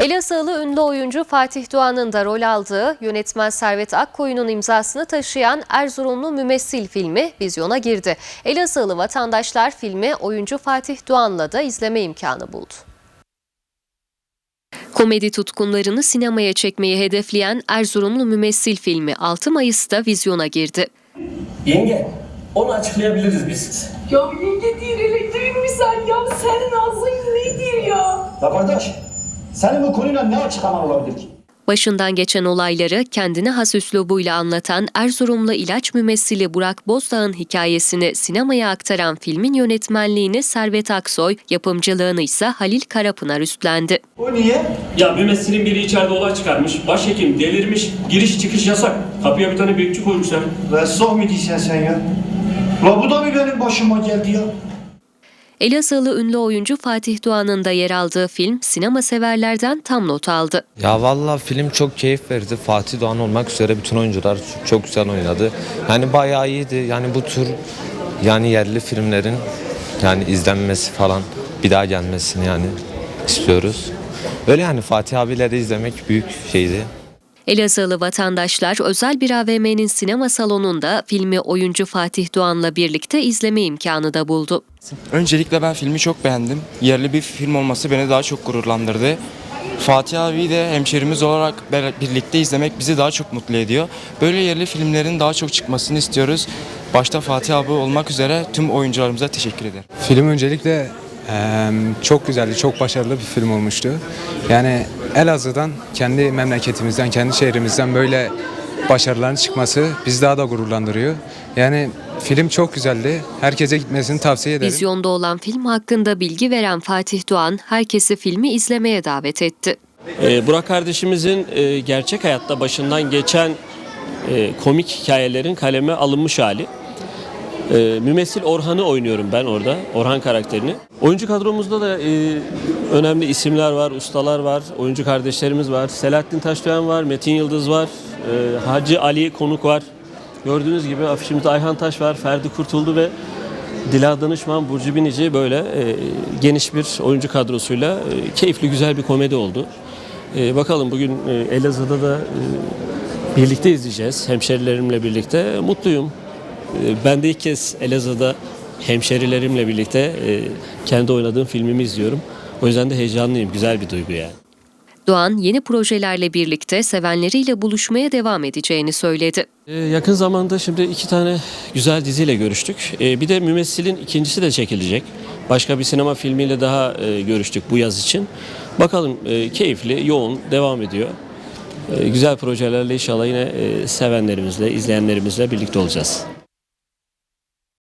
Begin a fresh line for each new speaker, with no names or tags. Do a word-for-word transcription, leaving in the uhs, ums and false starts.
Elazığlı ünlü oyuncu Fatih Doğan'ın da rol aldığı, yönetmen Servet Akkoyun'un imzasını taşıyan Erzurumlu Mümessil filmi vizyona girdi. Elazığlı vatandaşlar filmi oyuncu Fatih Doğan'la da izleme imkanı buldu. Komedi tutkunlarını sinemaya çekmeyi hedefleyen Erzurumlu Mümessil filmi altı Mayıs'ta vizyona girdi.
Yenge, onu açıklayabiliriz biz.
Ya yenge değil, elektriğin misal ya. Senin ağzın nedir ya?
Ya kardeş, senin bu konuyla ne açıklaman olabilir ki?
Başından geçen olayları kendine has üslubuyla anlatan Erzurumlu ilaç mümessili Burak Bozdağ'ın hikayesini sinemaya aktaran filmin yönetmenliğini Servet Aksoy, yapımcılığını ise Halil Karapınar üstlendi.
O niye?
Ya mümessilin biri içeride olay çıkarmış, başhekim delirmiş, giriş çıkış yasak. Kapıya bir tane bekçi koymuşlar.
Ressah mı diyeceksin sen ya? La bu da mı benim başıma geldi ya?
Elazığlı ünlü oyuncu Fatih Doğan'ın da yer aldığı film sinema severlerden tam not aldı.
Ya vallahi film çok keyif verdi. Fatih Doğan olmak üzere bütün oyuncular çok güzel oynadı. Yani bayağı iyiydi. Yani bu tür yani yerli filmlerin yani izlenmesi falan bir daha gelmesini yani istiyoruz. Öyle yani Fatih abileri izlemek büyük şeydi.
Elazığlı vatandaşlar özel bir A V M'nin sinema salonunda filmi oyuncu Fatih Doğan'la birlikte izleme imkanı da buldu.
Öncelikle ben filmi çok beğendim. Yerli bir film olması beni daha çok gururlandırdı. Fatih abi de hemşerimiz olarak birlikte izlemek bizi daha çok mutlu ediyor. Böyle yerli filmlerin daha çok çıkmasını istiyoruz. Başta Fatih abi olmak üzere tüm oyuncularımıza teşekkür ederim.
Film öncelikle e, çok güzeldi, çok başarılı bir film olmuştu. Yani Elazığ'dan, kendi memleketimizden, kendi şehrimizden böyle başarıların çıkması bizi daha da gururlandırıyor. Yani film çok güzeldi. Herkese gitmesini tavsiye ederim.
Vizyonda olan film hakkında bilgi veren Fatih Doğan, herkesi filmi izlemeye davet etti.
Ee, Burak kardeşimizin e, gerçek hayatta başından geçen e, komik hikayelerin kaleme alınmış hali. E, Mümessil Orhan'ı oynuyorum ben orada, Orhan karakterini. Oyuncu kadromuzda da e, önemli isimler var, ustalar var, oyuncu kardeşlerimiz var. Selahattin Taşdoğan var, Metin Yıldız var, e, Hacı Ali Konuk var. Gördüğünüz gibi afişimizde Ayhan Taş var, Ferdi Kurtuldu ve Dila Danışman, Burcu Binici böyle e, geniş bir oyuncu kadrosuyla e, keyifli güzel bir komedi oldu. E, bakalım bugün e, Elazığ'da da e, birlikte izleyeceğiz hemşerilerimle birlikte. Mutluyum. E, ben de ilk kez Elazığ'da hemşerilerimle birlikte e, kendi oynadığım filmimi izliyorum. O yüzden de heyecanlıyım. Güzel bir duygu yani.
Doğan yeni projelerle birlikte sevenleriyle buluşmaya devam edeceğini söyledi.
Ee, yakın zamanda şimdi iki tane güzel diziyle görüştük. Ee, bir de Mümessil'in ikincisi de çekilecek. Başka bir sinema filmiyle daha e, görüştük bu yaz için. Bakalım e, keyifli, yoğun devam ediyor. E, güzel projelerle inşallah yine e, sevenlerimizle, izleyenlerimizle birlikte olacağız.